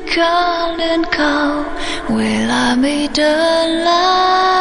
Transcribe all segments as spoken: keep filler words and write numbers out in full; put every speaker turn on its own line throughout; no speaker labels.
เขาเลื่อนเขาเวลาไม่เดินแล้ว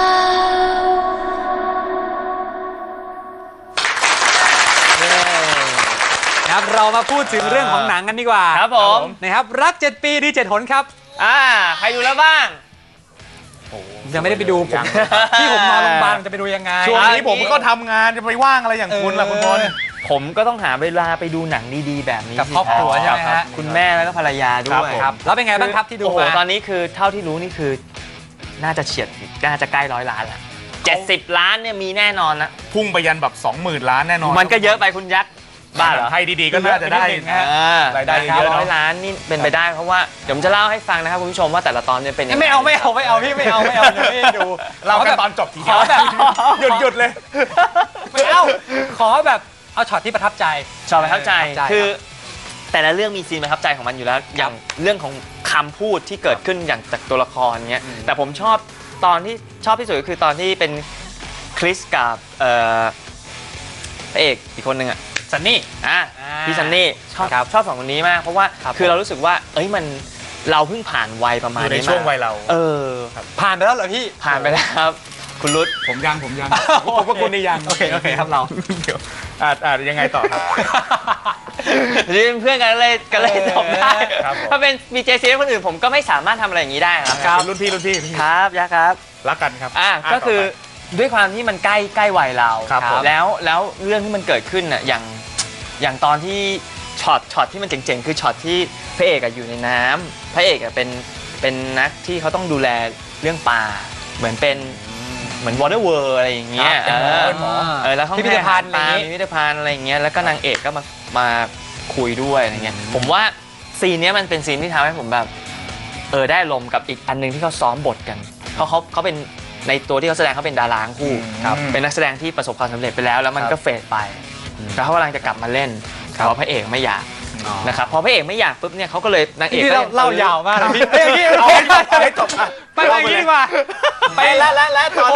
ครับเรามาพูดถึงเรื่องของหนังกันดีกว่า
ครับผม
นะครับรักเจ็ดปีดีเจ็ดหนครับ
อ่าใครดูแล้วบ้าง
ยังไม่ได้ไปดูผมที่ผมนอนโรงพยาบาลจะไปดูยังไง
ช่วงนี้ผมก็ทำงานจะไปว่างอะไรอย่างคุณล่ะคุณพล
ผมก็ต้องหาเวลาไปดูหนังดีๆแบบนี้
กับครอบครัวใช่ไหมฮะ
คุณแม่แล้วก็ภรรยาด้วย
ครับแล้วเป็นไงบ้างครับที่ดูมา
ตอนนี้คือเท่าที่รู้นี่คือน่าจะเฉียดน่าจะใกล้ร้อยล้านละเจ็ดสิบล้านเนี่ยมีแน่นอนนะ
พุ่งไปยันแบบสองหมื่นล้านแน่นอน
มันก็เยอะไปคุณยักษ์บ้าเหรอ
ให้ดีๆก็น่าจะได้รายได้เยอะ
ร้อยล้านนี่เป็นไปได้เพราะว่าเดี๋ยวผมจะเล่าให้ฟังนะครับคุณผู้ชมว่าแต่ละตอนเนี่ยเป็นยังไง
ไม่เอาไม่เอาไม่เอาพี่ไม่เอาไม่เอาไม่ดู
เราแค่ตอนจบทีเดียวแบบหยุดหยุดเลย
ไม่เอาขอแบบเอาช็อตที่ประทับใจ
ช็อตประทับใจคือแต่ละเรื่องมีซีนประทับใจของมันอยู่แล้วอย่างเรื่องของคำพูดที่เกิดขึ้นอย่างจากตัวละครเนี้ยแต่ผมชอบตอนที่ชอบที่สุดก็คือตอนที่เป็นคริสกับพระเอกอีกคนหนึ่งอ่ะ
ซันนี่
อ่ะพี่ซันนี่ชอบชอบสองคนนี้มากเพราะว่าคือเรารู้สึกว่าเอ้ยมันเราเพิ่งผ่านวัยประมาณนี้
ในช่วงวัยเรา
เออ
ผ่านไปแล้วเหรอพี่
ผ่านไปแล้วครับคุณรุต
ผมยังผมยังผมก็คุณนี่ยัง
โอเคโอเคครับเรา
เดี๋ยวอาจอาจยังไงต่อครับ
นี่เป็นเพื่อนกันเลยกันเลยจบได้ถ้าเป็นมีเจซีคนอื่นผมก็ไม่สามารถทำอะไรอย่างนี้ได้
ครับรุ่นพี่รุ่นพี่
ครับยะครับ
รักกันครับ
อ่ะก็คือด้วยความที่มันใกล้ใกล้วัยเราแล้วแล้วเรื่องที่มันเกิดขึ้นอ่ะอย่างอย่างตอนที่ช็อตช็อตที่มันเจ๋งๆคือช็อตที่พระเอกอยู่ในน้ำพระเอกเป็นเป็นนักที่เขาต้องดูแลเรื่องปลาเหมือนเป็นเหมือนวอเตอร์เวิร์อะไรอย่างเงี้ยเออแล้วเขาพิพิธภัณฑ์ปลาพิพิธภัณฑ์อะไรอย่างเงี้ยแล้วก็นางเอกก็มามาคุยด้วยอะไรเงี้ยผมว่าซีนนี้มันเป็นซีนที่ทำให้ผมแบบเออได้ลมกับอีกอันนึงที่เขาซ้อมบทกันเพราะเขาเขาเป็นในตัวที่เขาแสดงเขาเป็นดาราคู่เป็นนักแสดงที่ประสบความสำเร็จไปแล้วแล้วมันก็เฟดไปแล้วเขากำลังจะกลับมาเล่นเพราะพระเอกไม่อยากนะครับพอพระเอกไม่อยากปุ๊บเนี่ยเขาก็เลยนางเอกก็
เล่ายาวมากพี่
เฮ้ยเอาให้จบ
ไปไปดีกว่า
ไปแล้วแล้วแล้วตอน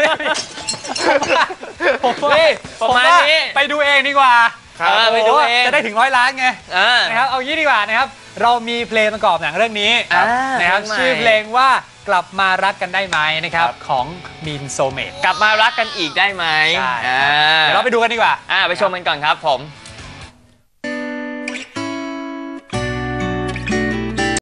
ผมว่าประมาณนี้ไปดูเองดีกว่า
ไปดูเอง
จะได้ถึงร้อยล้านไงนะครับเอางี้ดีกว่านะครับเรามีเพลงประกอบหนังเรื่องนี้นะครับชื่อเพลงว่ากลับมารักกันได้ไหมนะครับของมีนโซเมต
กลับมารักกันอีกได้ไหม
เดี๋ยวเราไปดูกันดีกว่า
ไปชมกันก่อนครับผม